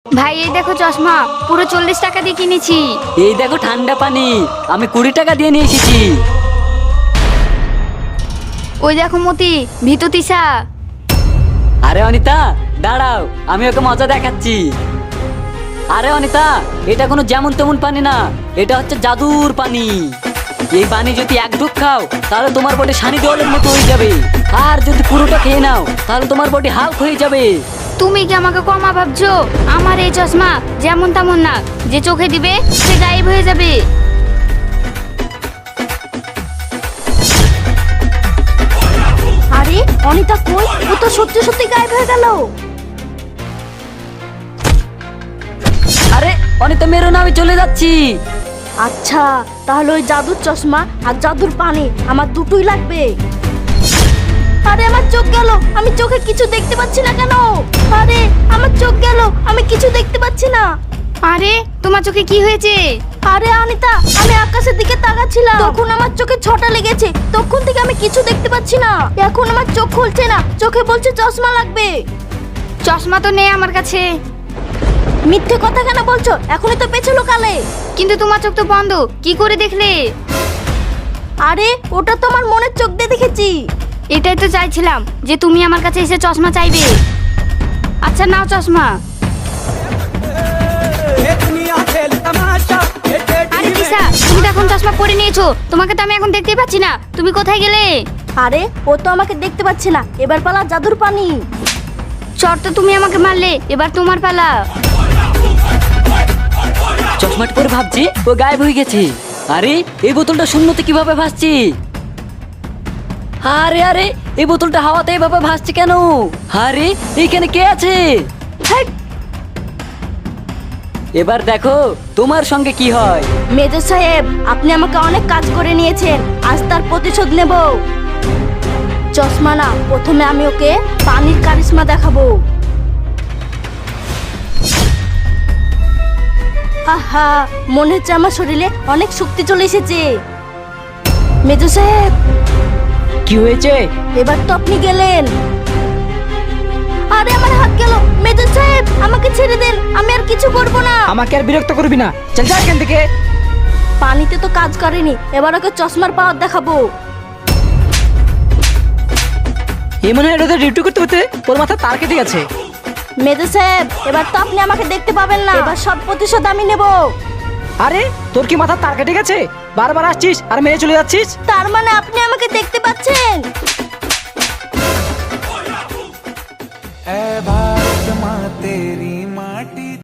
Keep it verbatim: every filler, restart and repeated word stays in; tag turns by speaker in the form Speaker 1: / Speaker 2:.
Speaker 1: ভাই এই দেখো চশমা, পুরো চল্লিশ টাকা দিয়ে কিনেছি।
Speaker 2: এই দেখো ঠান্ডা পানি, আমি কুড়ি টাকা দিয়ে নিয়ে এসেছি।
Speaker 1: ওই দেখো মতি, ভিতু তিসা।
Speaker 2: আরে অনিতা দাঁড়াও, আমি ওকে মজা দেখাচ্ছি। আরে অনিতা, এটা কোনো যেমন তেমন পানি না, এটা হচ্ছে জাদুর পানি। এই পানি যদি এক ঢুক খাও তাহলে তোমার বডি সানি দেওয়ালের মতো হয়ে যাবে, আর যদি পুরোটা খেয়ে নাও তাহলে তোমার বডি হাল্ক হয়ে যাবে।
Speaker 1: তুমি কি আমাকে কমা ভাবছো? আমার এই চশমা যেমন তেমন না, যে চোখে দিবে সে গায়েব হয়ে যাবে।
Speaker 3: আরে অনিতা কই? ও তো সত্যি সত্যি গায়েব হয়ে গেল।
Speaker 2: আরে অনিতা মেরো না, আমি চলে যাচ্ছি।
Speaker 3: আচ্ছা, তাহলে ওই জাদুর চশমা আর জাদুর পানি আমার দুটোই লাগবে। আরে আমার চোখ গেল, আমি চোখে কিছু দেখতে পাচ্ছি না কেন? আরে আমার চোখ গেল, আমি কিছু দেখতে পাচ্ছি না।
Speaker 1: আরে তোমার চোখে কি হয়েছে?
Speaker 3: আরে অনিতা, আমি আকাশের দিকে তাকাচ্ছিলাম, তখন আমার চোখে ছটা লেগেছে। তখন থেকে আমি কিছু দেখতে পাচ্ছি না। এখন আমার চোখ খুলছে না, চোখে বলছে চশমা লাগবে।
Speaker 1: চশমা তো নেই আমার কাছে।
Speaker 3: মিথ্যে কথা কেন বলছো? এখনই তো পেছলো কালে।
Speaker 1: কিন্তু তোমার চোখ তো বন্ধ, কি করে দেখলে?
Speaker 3: আরে ওটা তো আমার মনের চোখ দিয়ে দেখেছি।
Speaker 1: এটাই তো চাইছিলাম, যে তুমি আমার কাছে এসে চশমা চাইবে। আচ্ছা নাও চশমা। আরে তিসা, তুমি তো এখন চশমা পরে নিয়েছো, তোমাকে তো আমি এখন দেখতেই পাচ্ছি না, তুমি কোথায় গেলে?
Speaker 3: আরে ও তো আমাকে দেখতে পাচ্ছে না। এবার পালা জাদুর পানি।
Speaker 1: চট তো তুমি আমাকে মারলে, এবার তোমার পালা।
Speaker 2: চশমাটা পরে ভাবছি ও গায়েব হয়ে গেছে। আরে এই বোতলটা শূন্যতে কিভাবে ভাসছে? আরে আরে এই বোতলটা হাওয়াতে এভাবে ভাসছে কেন? আরে এইখানে কে আছে?
Speaker 3: হেট!
Speaker 2: এবার দেখো তোমার সঙ্গে কি হয়।
Speaker 3: মেজর সাহেব, আপনি আমাকে অনেক কাজ করে নিয়েছেন, আজ তার প্রতিশোধ নেব। চশমা না, প্রথমে আমি ওকে পানির কারিশমা দেখাবো। আহা, মনে হচ্ছে আমার শরীরে অনেক শক্তি চলে এসেছে। মেজর সাহেব,
Speaker 4: কি হয়েছে?
Speaker 3: এবার তো আপনি গেলেন। আরে আমার হাত গেল। মেজর সাহেব, আমাকে ছেড়ে দেন, আমি আর কিছু করব না।
Speaker 4: আমাকে আর বিরক্ত করবি না, চল যা এখান থেকে।
Speaker 3: পানিতে তো কাজ করেনি, এবার ওকে চশমার পাওয়ার দেখাবো।
Speaker 4: এই মনে হয় রোদে ডিউটি করতে করতে ওর মাথা তার কেটে গেছে।
Speaker 3: মেজর সাহেব, এবার তো আপনি আমাকে দেখতে পাবেন না, এবার সব প্রতিশোধ আমি নেব।
Speaker 4: আরে তোর কি মাথা তার কেটে গেছে? বারবার আসছিস আর মেরে চলে যাচ্ছিস।
Speaker 3: তার মানে আপনি আমাকে দেখতে পাচ্ছেন?
Speaker 5: ऐ भारत माँ तेरी माटी।